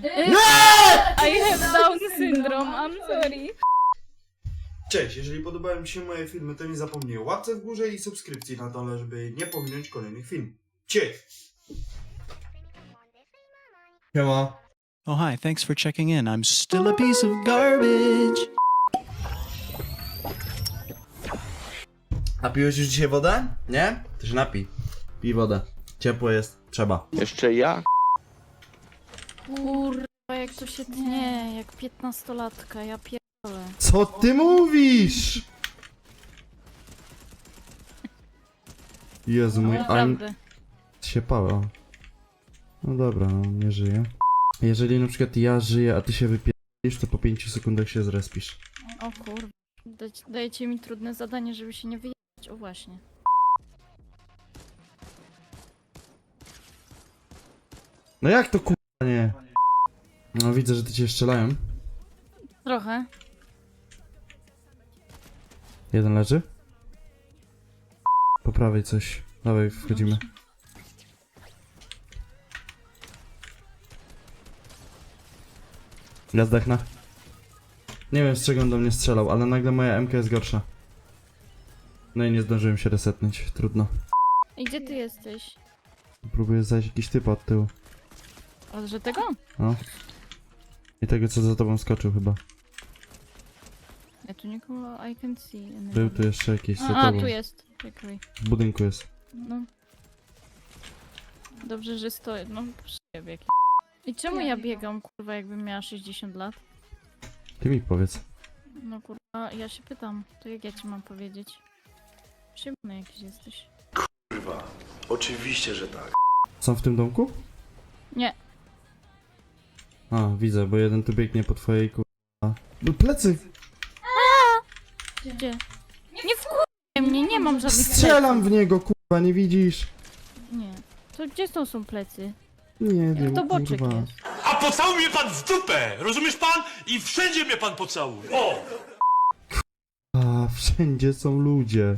I have Down syndrome, I'm sorry. Cześć, jeżeli podobają Ci się moje filmy, to nie zapomnij o łapce w górze i subskrypcji na dole, żeby nie pominąć kolejnych filmów. Cześć! Siema. Oh, hi, thanks for checking in. I'm still a piece of garbage. Napiłeś już dzisiaj wodę? Nie? To się napij. Pij wodę. Ciepło jest. Trzeba. Jeszcze ja? Kurwa, jak to się tnie, jak 15-latka, ja pierdolę. Co ty mówisz? Jezu mój, ale Naprawdę. się pała. No dobra, no nie żyję. Jeżeli na przykład ja żyję, a ty się wypierdolisz, to po 5 sekundach się zrespisz. O kurwa. Dajecie mi trudne zadanie, żeby się nie wyjechać. O właśnie. No jak to kurwa nie? No widzę, że ty cię strzelają. Trochę. Jeden leży. Po prawej coś. Dawaj, wchodzimy. Ja zdechnę. Nie wiem, z czego on do mnie strzelał, ale nagle moja MK jest gorsza. No i nie zdążyłem się resetnąć. Trudno. I gdzie ty jesteś? Próbuję zajść jakiś typ od tyłu. O, że tego? No. I tego, co za tobą skoczył chyba. Ja tu nikogo I can see. Był tu jeszcze jakiś za A, tobą. tu jest. Czekaj. W budynku jest. No. Dobrze, że stoję. No, przyjebie. I czemu ja biegam, kurwa, jakbym miała 60 lat? Ty mi powiedz. No kurwa, ja się pytam. To jak ja ci mam powiedzieć? Przyjemny jakiś jesteś. Kurwa, oczywiście, że tak. Są w tym domku? Nie. A, widzę, bo jeden tu biegnie po twojej kurwa. No plecy! Gdzie? Nie wkurwaj mnie, nie mam żadnych Strzelam w niego, kurwa, nie widzisz? pleców. Nie. To gdzie są plecy? Nie wiem, To boczek kurwa. jest. A pocałuj mnie pan w dupę, rozumiesz pan? I wszędzie mnie pan pocałuje. O! A, wszędzie są ludzie.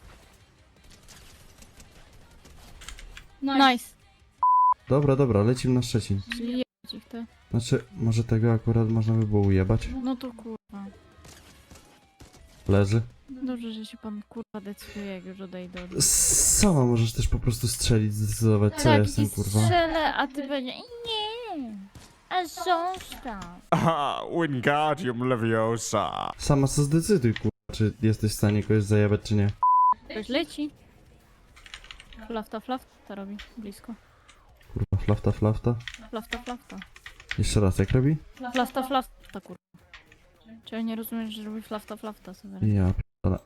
Nice. Dobra, dobra, lecimy na Szczecin. Czyli jebać ich to. Znaczy, może tego akurat można by było ujebać. No to kurwa. Leży. Dobrze, że się pan kurwa decyduje, jak już odejdę od... Sama możesz też po prostu strzelić, zdecydować, co ja jestem, i kurwa. strzelę, a ty będzie... Nie. A zostaw. Ah, Wingardium Leviosa. Sama co zdecyduj, kurwa, czy jesteś w stanie kogoś zajebać, czy nie. Ktoś leci. Flafta robi. Blisko. Kurwa, flafta, flafta. Flafta. Jeszcze raz, jak robi? Flafta, kurwa. Czy ja nie rozumiesz, że robi flafta, Seweryn? Ja p***ale.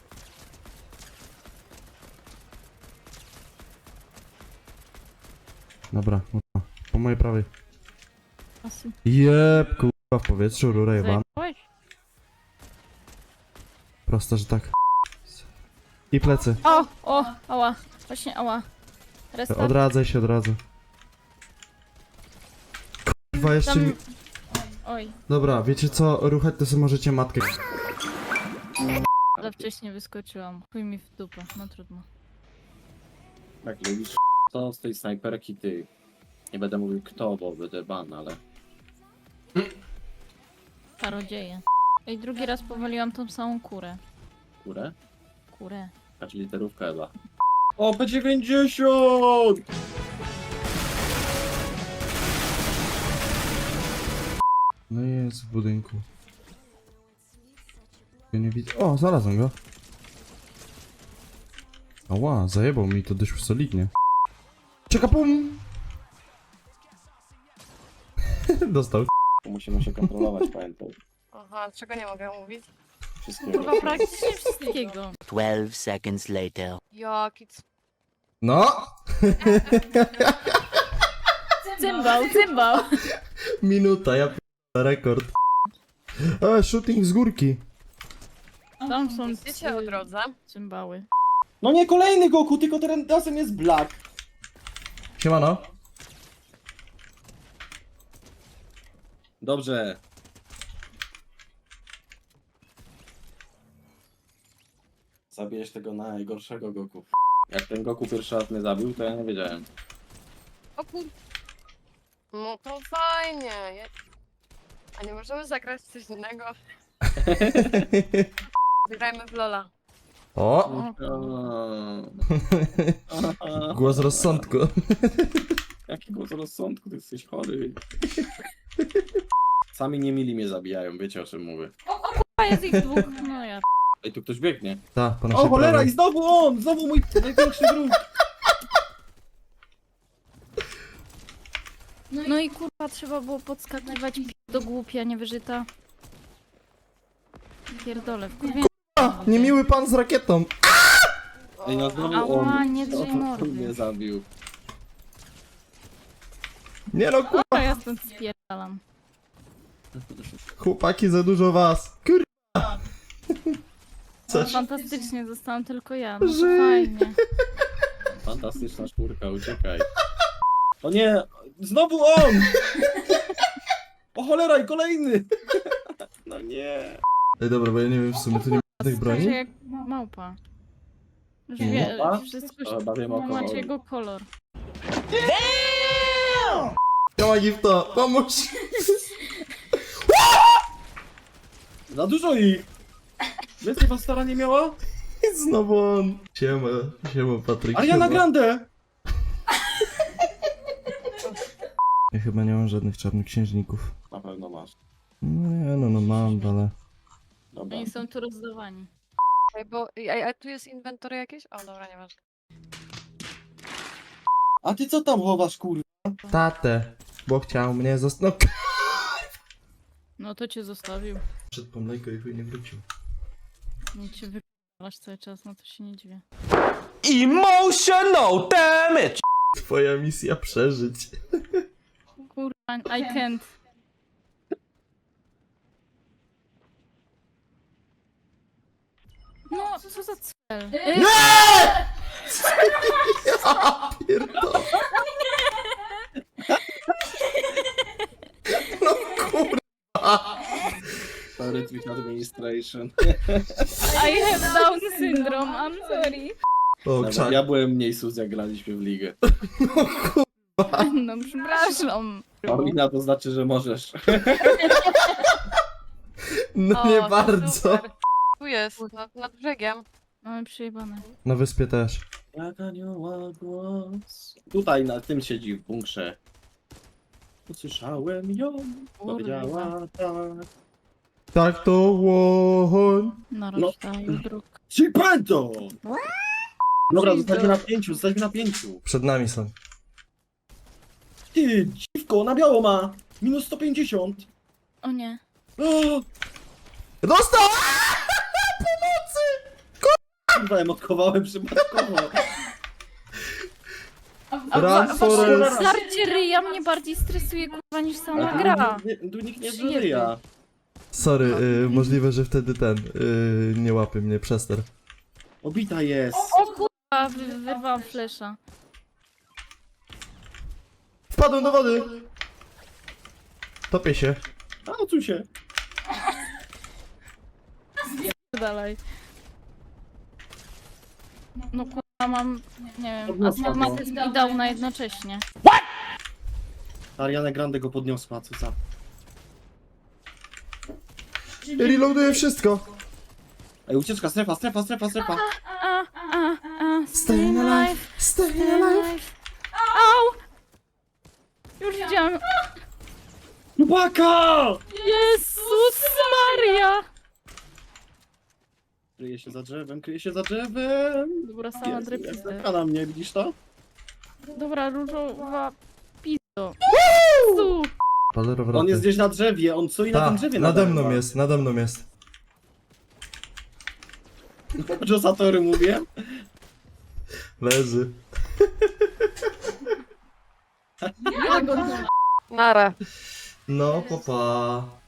Dobra, kurwa. Po mojej prawej. Asy. Jeb, kurwa, w powietrzu, rura jeba. Zajebałeś? Prosto, że tak. I plecy. Ała. Właśnie ała. Restart. Odradzaj się, odradzaj. Kurwa, jeszcze Tam... mi... Oj, Dobra, wiecie co? Ruchać to sobie możecie matkę. za wcześnie wyskoczyłam. Chuj mi w dupę, no trudno. Jak lubisz to z tej snajperki ty. Nie będę mówił kto, bo będę ban, ale... Parodzieje. Ej, drugi raz powaliłam tą samą kurę. Kurę? Kurę. Znaczy literówka chyba. O, P90! No jest w budynku. Ja nie widzę. O, znalazłem go. Ała, zajebał mi to dość solidnie. Czeka pum! Dostał. Musimy się kontrolować, pamiętaj. Aha, czego nie mogę mówić? Wszystkiego. Kurwa, praktycznie wszystkiego. 12 seconds later. Jaki No! Cymbał. Minuta, ja rekord. Shooting z górki. Tam są Wiecie o drodze? cymbały. No nie kolejny Goku, tylko razem jest Black. Siemano. Dobrze. Zabijesz tego najgorszego Goku. Jak ten Goku pierwszy raz mnie zabił, to ja nie wiedziałem. O kur... No to fajnie. A nie możemy zagrać w coś innego? Grajmy w Lola. O! Głos rozsądku. Jaki głos rozsądku, ty jesteś chory. Sami niemili mnie zabijają, wiecie o czym mówię. A jest ich dwóch. No ja. Ej, tu ktoś biegnie. Ta, po naszej O cholera, prawej. i znowu on! Znowu mój największy wróg! No i kurwa, trzeba było podskakiwać do głupia, niewyżyta. Pierdolę, wkurwię. Niemiły pan z rakietą. Ej, no znowu Ała, on. nie drzyj mordy. On mnie zabił. Nie no, A ja stąd spierdalam. chłopaki, za dużo was. Coś. Fantastycznie, zostałam tylko ja. No to Żyj. fajnie. Fantastyczna czwórka, uciekaj. O nie! Znowu on! O cholera, i kolejny! No nie! Ej, dobra, bo ja nie wiem, w sumie tu nie ma tych Skacze broni. jak małpa. Już Nie. wie, Małpa? wszystko O, chyba wiem, o kogo macie chodzi. jego kolor. Siema, Gifto, pomóż. Za dużo ich! Więcej was stara nie miała? Znowu on. Siema, Patryk. Ariana siema. Grande! Ja chyba nie mam żadnych czarnoksiężników. Na pewno masz. No nie, no mam, ale... Dobra. Oni są tu rozdawani. Ej, bo, a tu jest inwentory jakieś? O, dobra, nieważne. A ty co tam chowasz, kurwa? Tatę, bo chciał mnie zostać. No to cię zostawił. Przed pomlejko i chuj nie wrócił. Nie cię wypalasz cały czas, no to się nie dziwię. Emotional damage! Twoja misja przeżyć. Kurwa, I can't. No, co za cel? Ja pierdolę. No kurwa. Sorry, Twitch Administration. I have Down syndrome, I'm sorry. O, Dobra, krzak. ja byłem mniej sus, jak graliśmy w ligę. No przepraszam. Paulina, to znaczy, że możesz. No O, nie to bardzo. super. Tu jest, nad brzegiem. Mamy przejebane. Na wyspie też. Jak anioła głos. Tutaj na tym siedzi w bunkrze. Usłyszałem ją, powiedziała tak. Tak to łoń. Na No. rozdaju dróg. Cipento! Dobra, Jesus. zostańmy na 5. Przed nami są. Ty, dziwko, na biało ma! Minus 150. O nie. O, Dostał! kurwa, emotkowałem przypadkowo. Run, Forest. Starcie ryja mnie bardziej stresuje kurwa niż sama gra. Tu nikt nie Przyjemny. żyje. Sorry, możliwe, że wtedy nie łapie mnie przester. Obita jest. O kurwa, wyrwałam flesza. Wpadłem do wody! Topię się. A, odsuń się. Dalej. No kurwa, mam, nie wiem, Podniosła go. astmatyzm i downa jednocześnie. Ariana Grande go podniosła, co za. Reloaduję wszystko. Ej, ucieczka, strefa. Staying alive, Stay alive. Au! Już widziałam. Chłopaka! Jezus Maria! Kryje się za drzewem. Dobra, sama Jezu, jak drepiste. zerka na mnie, widzisz to? Dobra, różowa pizdo. Jezu! Palerowroty. On jest gdzieś na drzewie, on stoi na tym drzewie. nade nadal. mną jest, nade mną jest. Josatory mówię. Leży. Nara. No, papa.